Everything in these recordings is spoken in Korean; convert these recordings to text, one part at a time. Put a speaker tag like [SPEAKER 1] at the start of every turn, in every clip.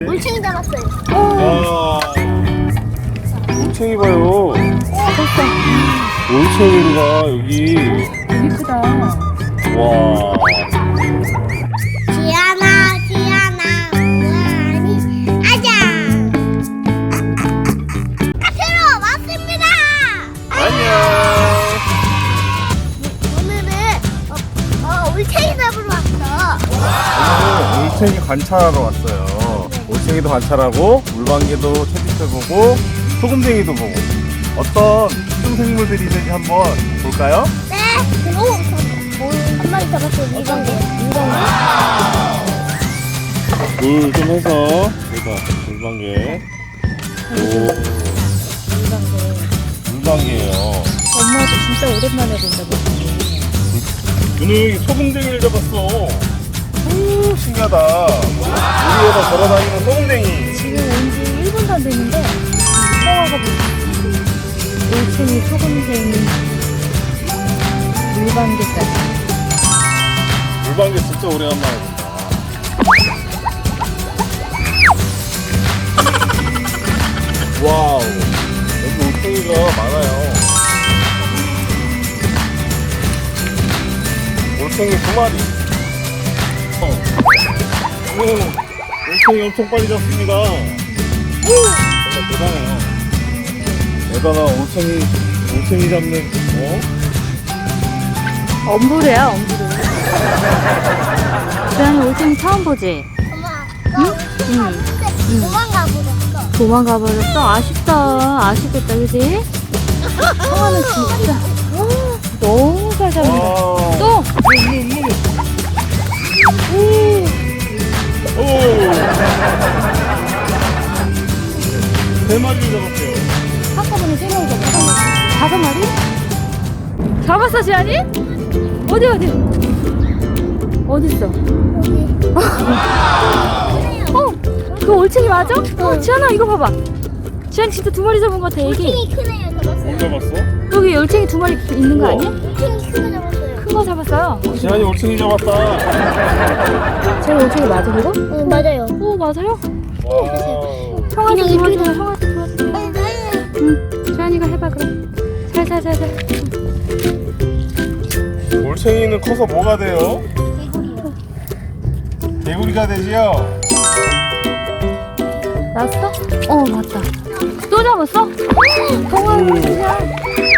[SPEAKER 1] 올챙이 잡았어요.
[SPEAKER 2] 야, 올챙이 봐요.
[SPEAKER 3] 됐어.
[SPEAKER 2] 올챙이가 여기.
[SPEAKER 3] 예쁘다.
[SPEAKER 2] 와.
[SPEAKER 1] 지안아, 우아니, 아자. 카페로 왔습니다.
[SPEAKER 2] 안녕.
[SPEAKER 1] 오늘은 올챙이 잡으러 왔어.
[SPEAKER 2] 오늘 올챙이 관찰하러 왔어요. 올챙이도 관찰하고 물방개도 채집해보고 소금쟁이도 보고 어떤 특정 생물들이 있는지 한번 볼까요?
[SPEAKER 1] 네. 한 마리 잡았어요. 물방개.
[SPEAKER 2] 물 좀 해서 여기다 물방개. 오, 물방개예요.
[SPEAKER 3] 엄마도 진짜 오랜만에 본다.
[SPEAKER 2] 누누 여기 소금쟁이를 잡았어. 오, 신기하다. 우리에서 걸어다니는 소금쟁이.
[SPEAKER 3] 지금 온 지 1분도 안 됐는데 서화가 올챙이, 소금쟁이, 물방개까지.
[SPEAKER 2] 물방개 진짜 오래간만에 본다. 와우, 여기 올챙이가 많아요. 올챙이 2마리. 오, 올챙이 엄청 빨리 잡습니다. 정말 대단해요. 대단한 올챙이 잡는,
[SPEAKER 3] 엄부르야, 엄부르. 주연이 올챙이 처음 보지?
[SPEAKER 1] 엄마, 나 올챙이 도망가 버렸어.
[SPEAKER 3] 도망가 버렸어? 아쉽다. 아쉽겠다, 그지? 성화는 진짜 너무 잘 잡는다.
[SPEAKER 2] 와우.
[SPEAKER 3] 또!
[SPEAKER 2] 오! 3마리를 잡았어요.
[SPEAKER 3] 한꺼번에 3마리 잡았어. 5마리? 잡았어, 지안이? 어디? 어딨어? 그 올챙이 맞아? 지안아, 이거 봐봐. 지안 진짜 2마리 잡은 것 같아, 애기.
[SPEAKER 1] 올챙이 큰 애 잡았어요.
[SPEAKER 2] 뭘 잡았어?
[SPEAKER 3] 여기 올챙이 2마리 있는 거 아니야?
[SPEAKER 1] 올챙이 큰 애 잡았어요.
[SPEAKER 3] 큰 거 잡았어요.
[SPEAKER 2] 지한이 올챙이 잡았다.
[SPEAKER 3] 제가 올챙이 맞아, 그거?
[SPEAKER 1] 응, 맞아요.
[SPEAKER 3] 오, 맞아요?
[SPEAKER 2] 와우.
[SPEAKER 3] 형아도
[SPEAKER 1] 그냥 이렇게
[SPEAKER 3] 도와줘, 형아도 도와줘. 응, 지안이가 해봐, 그럼. 살살살살.
[SPEAKER 2] 올챙이는 커서 뭐가 돼요?
[SPEAKER 1] 개구리요.
[SPEAKER 2] 개구리가 되지요?
[SPEAKER 3] 났어? 맞다. 또 잡았어? 형아는 그냥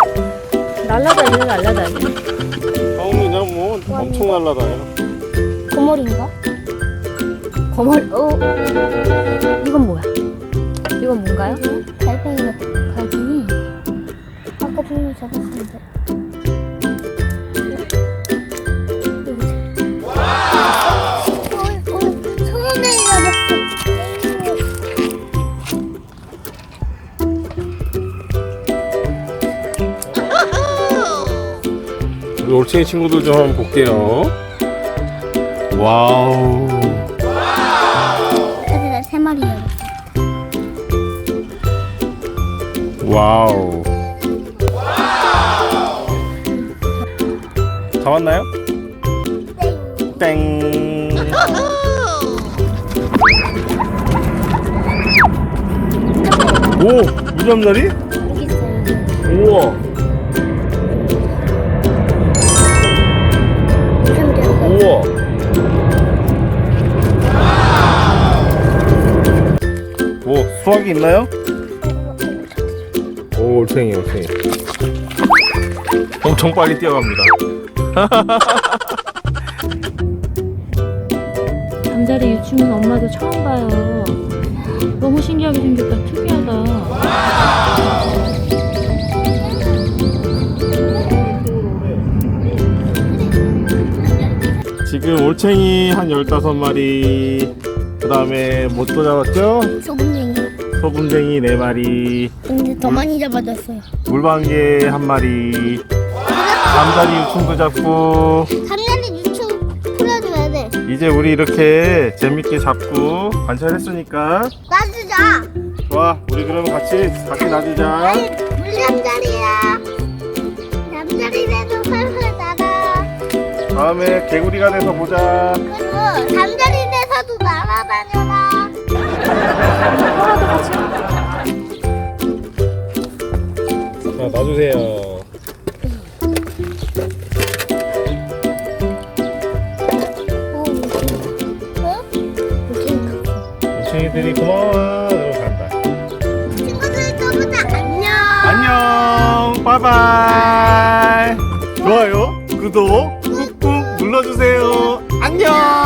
[SPEAKER 3] 날라다녀.
[SPEAKER 2] 처음에 그냥 뭐 엄청 날라다녀.
[SPEAKER 1] 고머리인가?
[SPEAKER 3] 거머리, 이건 뭐야? 이건 뭔가요?
[SPEAKER 1] 달팽이 같아.
[SPEAKER 3] 갈등이.
[SPEAKER 1] 아까 분명히 잡았었는데. 소금쟁이 잡았어.
[SPEAKER 2] 우리 올챙이 친구들 좀 한번 볼게요. 와우.
[SPEAKER 1] 아직 나 3마리 잡았어.
[SPEAKER 2] 와우. 잡았나요? 땡. 오, 무잠자리?
[SPEAKER 1] 여기 있어요.
[SPEAKER 2] 우와. 우와. 뭐 수확이 있나요? 오, 올챙이. 엄청 빨리 뛰어갑니다.
[SPEAKER 3] 잠자리 유충은 엄마도 처음 봐요. 너무 신기하게 생겼다. 특이하다.
[SPEAKER 2] 지금 올챙이 한 15마리, 그 다음에 뭐 또 잡았죠?
[SPEAKER 1] 소금쟁이.
[SPEAKER 2] 소금쟁이 4마리,
[SPEAKER 1] 근데 더 많이 잡아줬어요.
[SPEAKER 2] 물방개 1마리, 잠자리 유충도 잡고.
[SPEAKER 1] 삼년에 유충 풀어줘야 돼.
[SPEAKER 2] 이제 우리 이렇게 재밌게 잡고 관찰했으니까
[SPEAKER 1] 놔주자.
[SPEAKER 2] 좋아, 우리 그러면 같이 놔주자.
[SPEAKER 1] 물잠자리야. 잠자리 돼도 살살 날아.
[SPEAKER 2] 다음에 개구리가 돼서 보자.
[SPEAKER 1] 그리고 잠자리 돼서도 날아다녀라.
[SPEAKER 2] 주세요. 올챙이들이 고마워. 이러고 간다.
[SPEAKER 1] 친구들 또 보자. 안녕.
[SPEAKER 2] 안녕. 바이바이. 좋아요, 구독 꾹꾹 눌러주세요. 안녕.